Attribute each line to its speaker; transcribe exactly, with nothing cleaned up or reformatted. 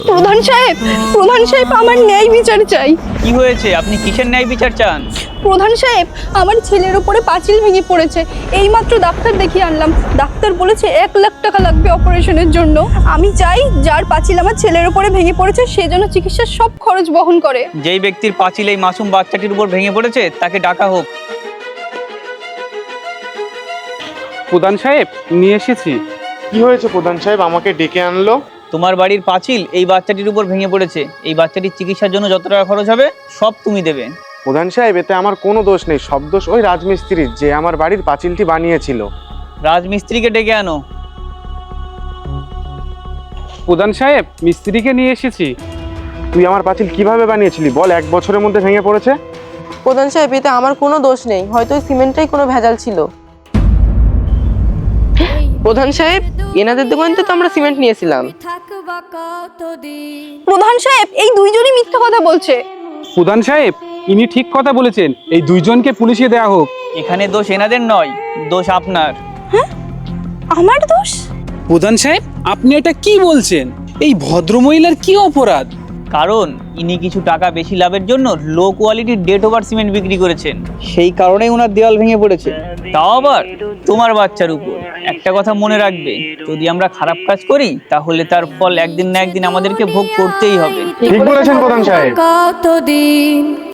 Speaker 1: প্রধান সাহেব, প্রধান সাহেব আমার ন্যায় বিচার চাই।
Speaker 2: কি হয়েছে? আপনি কিসের ন্যায় বিচার চান?
Speaker 1: প্রধান সাহেব, আমার ছেলের উপরে পাঁচিল ভেঙে পড়েছে। এইমাত্র ডাক্তার দেখিয়ে আনলাম। ডাক্তার বলেছে এক লাখ টাকা লাগবে অপারেশনের জন্য। আমি চাই যার পাঁচিল আমার ছেলের উপরে ভেঙে পড়েছে সে যেন চিকিৎসার সব খরচ বহন করে।
Speaker 2: যেই ব্যক্তির পাঁচিল এই মাসুম বাচ্চাটির উপর ভেঙে পড়েছে তাকে ডাকা হোক।
Speaker 3: প্রধান সাহেব, নিয়ে এসেছি।
Speaker 4: কি হয়েছে প্রধান সাহেব, আমাকে ডেকে আনলো?
Speaker 2: তোমার বাড়ির পাঁচিল এই বাচ্চাটির উপর ভেঙে পড়েছে। এই বাচ্চাটির চিকিৎসার জন্য যত টাকা খরচ হবে সব তুমি দেবে।
Speaker 4: প্রধান সাহেব, এতে আমার কোনো দোষ নেই, সব দোষ ওই রাজমিস্ত্রির, যে আমার বাড়ির পাঁচিলটি বানিয়েছিল।
Speaker 2: রাজমিস্ত্রিকে ডেকে আনো।
Speaker 3: প্রধান সাহেব, মিস্ত্রিকে নিয়ে এসেছি।
Speaker 4: তুই আমার পাঁচিল কিভাবে বানিয়েছিলি বল? এক বছরের মধ্যে ভেঙে পড়েছে।
Speaker 5: প্রধান সাহেব, এতে আমার কোনো দোষ নেই, হয়তো ওই সিমেন্টটাই কোনো ভেজাল ছিল। প্রধান সাহেব, এনাদের দোকান থেকে তো আমরা সিমেন্ট নিয়েছিলাম।
Speaker 1: প্রধান সাহেব, এই দুইজনই মিথ্যা কথা বলছে।
Speaker 3: প্রধান সাহেব, ইনি ঠিক কথা বলেছেন, এই দুইজনকে পুলিশে দেয়া হোক।
Speaker 2: এখানে দোষ এনাদের নয়, দোষ আপনার।
Speaker 1: আমার দোষ?
Speaker 6: প্রধান সাহেব, আপনি এটা কি বলছেন? এই ভদ্রমহিলার কি অপরাধ?
Speaker 2: কারণ ইনি কিছু টাকা বেশি লাভের জন্য লো কোয়ালিটির ডেট ওভার সিমেন্ট বিক্রি করেছেন, সেই কারণেই ওনার দেওয়াল ভেঙে পড়েছে। তাও আবার তোমার বাচ্চার উপর। একটা কথা মনে রাখবে, যদি আমরা খারাপ কাজ করি তাহলে তার ফল একদিন না একদিন আমাদেরকে ভোগ করতেই হবে।
Speaker 4: ঠিক বলেছেন প্রধান সাহেব।
Speaker 7: কতদিন